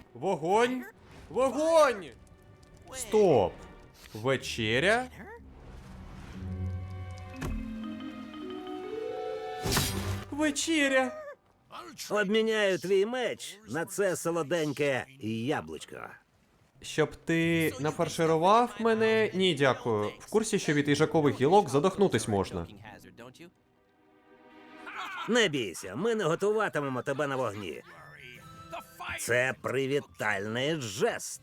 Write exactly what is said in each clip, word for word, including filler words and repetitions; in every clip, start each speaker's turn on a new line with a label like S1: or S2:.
S1: Вогонь! Вогонь! Стоп! Вечеря? Вечеря!
S2: Обміняю твій меч на це солоденьке яблучко.
S1: Щоб ти нафарширував мене? Ні, дякую. В курсі, що від їжакових гілок задохнутись можна.
S2: Не бійся, ми не готуватимемо тебе на вогні. Це привітальний жест.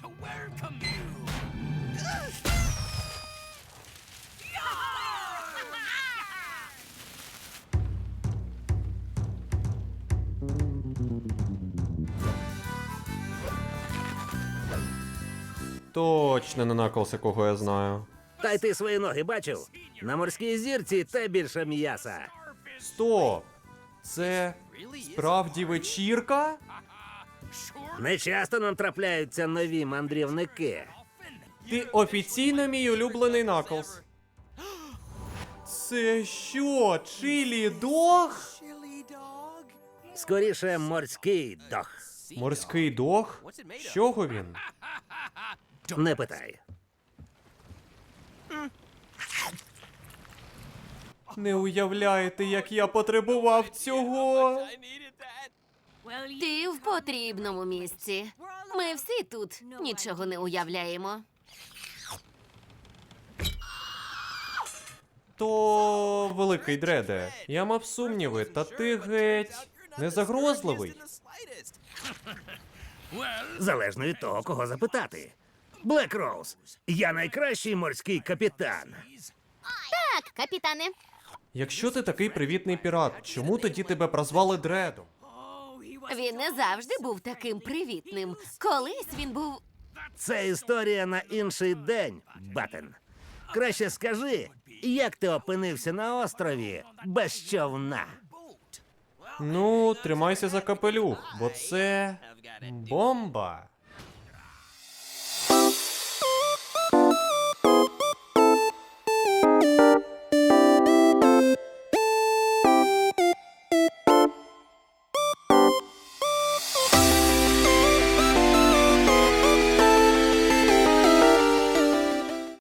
S1: Точно не Наклз, кого я знаю.
S2: Та й ти свої ноги бачив? На морській зірці те більше м'яса.
S1: Стоп! Це справді вечірка?
S2: Не часто нам трапляються нові мандрівники.
S1: Ти офіційно мій улюблений Наклз. Це що, чилі дог?
S2: Скоріше, морський дог.
S1: Морський дог? З чого він?
S2: Не питай.
S1: Не уявляєте, як я потребував цього.
S3: Ти в потрібному місці. Ми всі тут нічого не уявляємо.
S1: То великий дреде, я мав сумніви, та ти геть не загрозливий.
S2: Залежно від того, кого запитати. Блек Роуз, я найкращий морський капітан.
S3: Так, капітане.
S1: Якщо ти такий привітний пірат, чому тоді тебе прозвали Дредом?
S3: Він не завжди був таким привітним. Колись він був.
S2: Це історія на інший день, Батен. Краще скажи, як ти опинився на острові без човна?
S1: Ну, тримайся за капелюх, бо це бомба.